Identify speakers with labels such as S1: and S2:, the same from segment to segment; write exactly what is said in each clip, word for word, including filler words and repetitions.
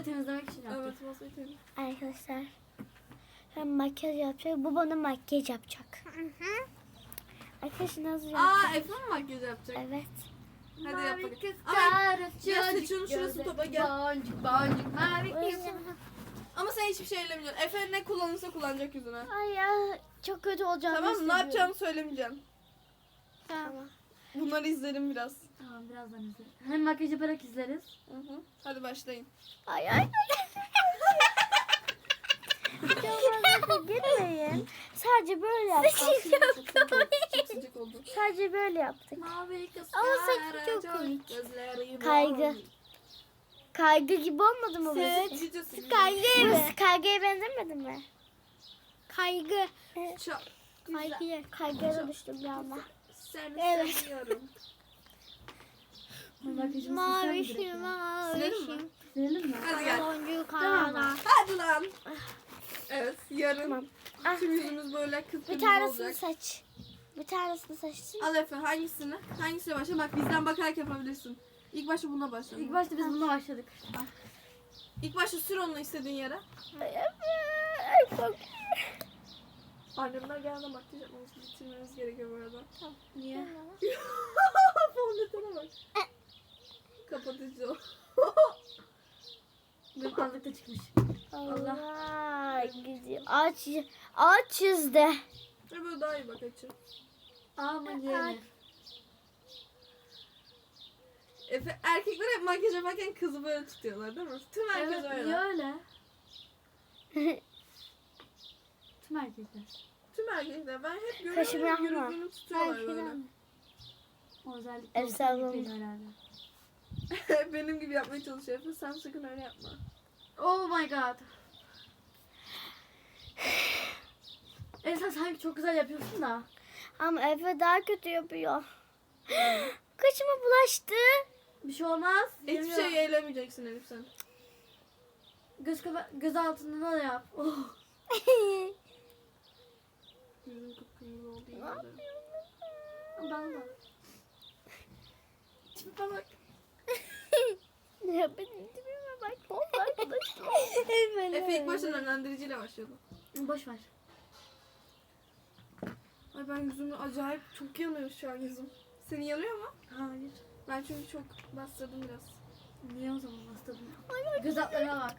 S1: masayı temizlemek için yaptık.
S2: Evet masayı temizledik.
S3: Arkadaşlar ben makyaj yapacak. Bu bana makyaj yapacak. Arkadaşlar nasıl yapacak?
S2: Aa Efe mi makyaj yapacak?
S3: Evet.
S2: Hadi yap bakalım.
S1: kız
S2: Ay,
S1: çocuk,
S2: ya saçının şurası
S1: gözü,
S2: topa gel.
S1: Boncuk boncuk mavi kız.
S2: Ama sen hiçbir şey ellemeyeceksin. Efe ne kullanırsa kullanacak yüzüne.
S3: Ay ya çok kötü olacağını
S2: Tamam mı? Ne
S3: hissediyorum.
S2: yapacağını söylemeyeceğim.
S3: Tamam.
S2: Bunları izlerim biraz.
S1: Tamam birazdan izleriz. Hem makyaj yaparak izleriz.
S2: Hı hı. Hadi başlayın.
S3: Ay ay. Çok fazla girmeyin. Sadece böyle yaptık.
S2: Çok sıcak oldu.
S3: Sadece böyle yaptık.
S1: Mavi kız.
S3: Ama saçı çok komik.
S1: Gözleri
S3: Kaygı. Kaygı gibi olmadı mı bu?
S2: Sıcak sıcak.
S3: Kaygı mı? Kaygıya benzemedi mi? Kaygı.
S2: Çok
S3: Kaygıya. Kaygıya da düştüm bir anda.
S2: seni
S3: Evet.
S2: seviyorum.
S1: Makyajımızı
S3: Mavi
S1: silsem mi
S3: şu
S1: direkt?
S3: mavi
S2: Silelim mi?
S3: şu.
S1: Silelim mi?
S2: Hadi gel.
S3: Boncuk
S1: Tamam.
S3: hala.
S2: Hadi lan. Evet yarın
S3: Tamam. Ah,
S2: tüm yüzümüz böyle
S3: bir
S2: kıpkırmızı
S3: tanesini
S2: olacak.
S3: saç. Bir tanesini saçsın.
S2: Al Efe hangisini? Hangisiyle başla? Bak bizden bakarak yapabilirsin. İlk başta bununla başla.
S1: İlk başta biz bununla başladık.
S2: İlk başta sür onu istediğin yere.
S3: Ay, çok-
S2: Annemler geldi makyaj yapmamızı bitirmemiz gerekiyor bu arada.
S1: Niye?
S2: Fondötene bak. Kapatıcı o.
S1: Benim aldıkta çıkmış.
S3: Allah gidiyor. Ağaç, ağaç çizdi.
S2: Ve böyle daha iyi bak açı.
S1: Ama yeni.
S2: Efe, erkekler hep makyaj yaparken kızı böyle tutuyorlar değil mi? Tüm herkes
S1: Evet,
S2: öyle.
S1: niye öyle? Tüm erkekler.
S2: Tüm erkekler. Ben hep
S3: Kaşım
S2: görüyorum.
S3: yapma.
S2: Yürüdüğünü tutuyorlar böyle.
S1: O özellikle
S3: Efsane
S1: o
S3: olmuş.
S1: herhalde.
S2: Benim gibi yapmaya çalışıyor Efe. Sen sakın öyle yapma.
S1: Oh my god. E sen sanki çok güzel yapıyorsun da.
S3: Ama Efe daha kötü yapıyor. Kaşıma bulaştı.
S1: Bir şey olmaz.
S2: Hiçbir
S1: Yemiyor.
S2: şey eylemeyeceksin Elif sen.
S1: Göz, kaba- göz altında da yap. Oh.
S2: Yüzün kıpkırmızı oldu. yemin ederim.
S1: Ben de.
S2: Tipe bak.
S3: Ya benim dibime bak. Oldu arkadaşlar.
S2: Efe ilk başta önlendiriciyle başladı.
S1: Boş ver.
S2: Ay ben yüzümü acayip çok yanıyor şu an yüzüm. Senin yanıyor mu?
S1: Hayır.
S2: Ben çünkü çok bastırdım biraz.
S1: Niye o zaman bastırdın? Göz altlarına bak.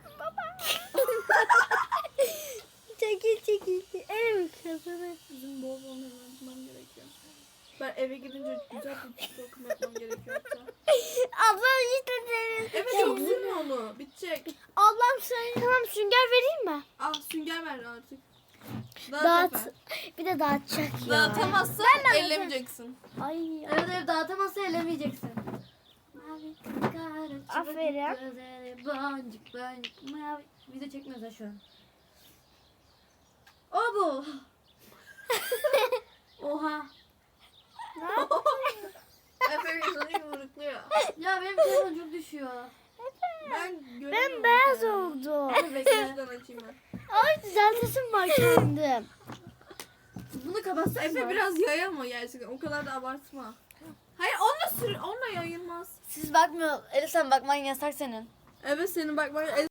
S3: Çekil çekil. Elim kızını.
S2: Yüzüm bol bol nemlendirmem gerekiyor. Ben eve gidince güzel bir bakım yapmam gerekiyor hatta.
S3: Ablam işte senin.
S2: Evet çok sürme onu. Bitecek.
S3: Ablam sen tamam sünger vereyim mi?
S2: Ah sünger ver artık. Dağıt
S3: Dağıt.
S2: Efe.
S3: Bir de dağıtacak ya.
S2: Dağıtamazsan
S3: Ben de
S2: ellemeyeceksin.
S3: Ay.
S1: Evet evet dağıtamazsa elemeyeceksin. Mavi kara
S3: Aferin.
S1: gözleri boncuk boncuk mavi. Video çekmiyoruz ha şu an. O bu. Oha.
S2: Efe yüzünü yumrukluyor.
S1: Ya benim telefon çok düşüyor.
S2: Ben
S3: Ben
S2: göremiyorum.
S3: beyaz oldum.
S2: Dur bekle şuradan açayım ben.
S3: Ay düzeltesim var kendim.
S1: Bunu kapatsak
S2: Efe
S1: mı?
S2: biraz yayama gerçekten. O kadar da abartma. Hayır onunla sür, onunla yayılmaz.
S1: Siz bakmıyor. Elif sen bakman yasak senin.
S2: Evet senin bak bak